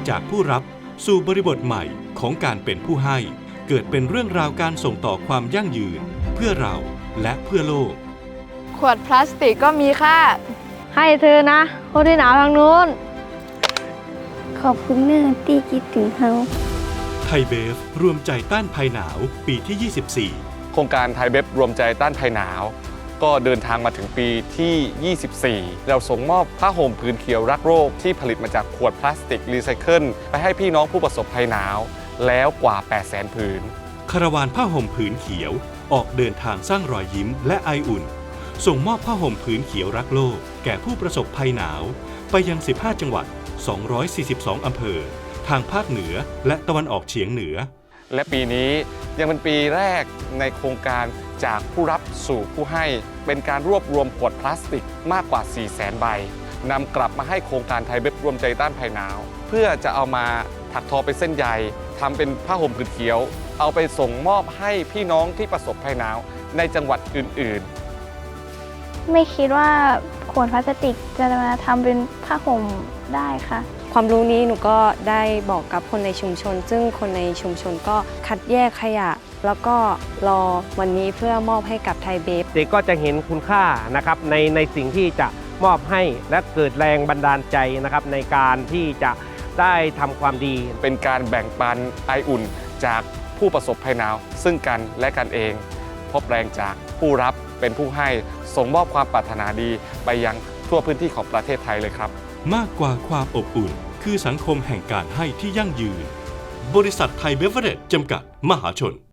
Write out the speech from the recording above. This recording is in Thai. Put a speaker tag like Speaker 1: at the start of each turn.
Speaker 1: จากผู้รับสู่บริบทใหม่ของการเป็นผู้ให้เกิดเป็นเรื่องราวการส่งต่อความยั่งยืนเพื่อเราและเพื่อโลก
Speaker 2: ขวดพลาสติกก็มีค่า
Speaker 3: ให้เธอนะคนที่หนาวทางนู้น
Speaker 4: ขอบคุณเนื่องที่คิดถึงเขา
Speaker 1: ไทยเบฟรวมใจต้านภัยหนาวปีที่ 24
Speaker 5: โครงการไทยเบฟรวมใจต้านภัยหนาวก็เดินทางมาถึงปีที่ 24 เราส่งมอบผ้าห่มผืนเขียวรักโรคที่ผลิตมาจากขวดพลาสติกรีไซเคิลไปให้พี่น้องผู้ประสบภัยหนาวแล้วกว่า 800,000 ผืน
Speaker 1: คาราวานผ้าห่มผืนเขียวออกเดินทางสร้างรอยยิ้มและไออุ่นส่งมอบผ้าห่มผืนเขียวรักโลกแก่ผู้ประสบภัยหนาวไปยัง 15 จังหวัด 242 อำเภอทางภาคเหนือและตะวันออกเฉียงเหนือ
Speaker 5: และปีนี้ยังเป็นปีแรกในโครงการจากผู้รับสู่ผู้ให้เป็นการรวบรวมขวดพลาสติกมากกว่า 400,000 ใบนำกลับมาให้โครงการไทยเบฟรวมใจต้านภัยหนาวเพื่อจะเอามาถักทอเป็นเส้นใยทำเป็นผ้าห่มผืนเขียวเอาไปส่งมอบให้พี่น้องที่ประสบภัยหนาวในจังหวัดอื่น
Speaker 4: ๆไม่คิดว่าขวดพลาสติกจะมาทำเป็นผ้าห่มได้ค่ะ
Speaker 6: ความรู้นี้หนูก็ได้บอกกับคนในชุมชนซึ่งคนในชุมชนก็คัดแยกขยะแล้วก็รอวันนี้เพื่อมอบให้กับไทยเบฟ
Speaker 3: เด็กก็จะเห็นคุณค่านะครับในสิ่งที่จะมอบให้และเกิดแรงบันดาลใจนะครับในการที่จะได้ทำความดี
Speaker 5: เป็นการแบ่งปันไออุ่นจากผู้ประสบภัยหนาวซึ่งกันและกันเองพบแรงจากผู้รับเป็นผู้ให้ส่งมอบความปรารถนาดีไปยังทั่วพื้นที่ของประเทศไทยเลยครับ
Speaker 1: มากกว่าความอบอุ่นคือสังคมแห่งการให้ที่ยั่งยืนบริษัทไทยเบเวอเรจจำกัดมหาชน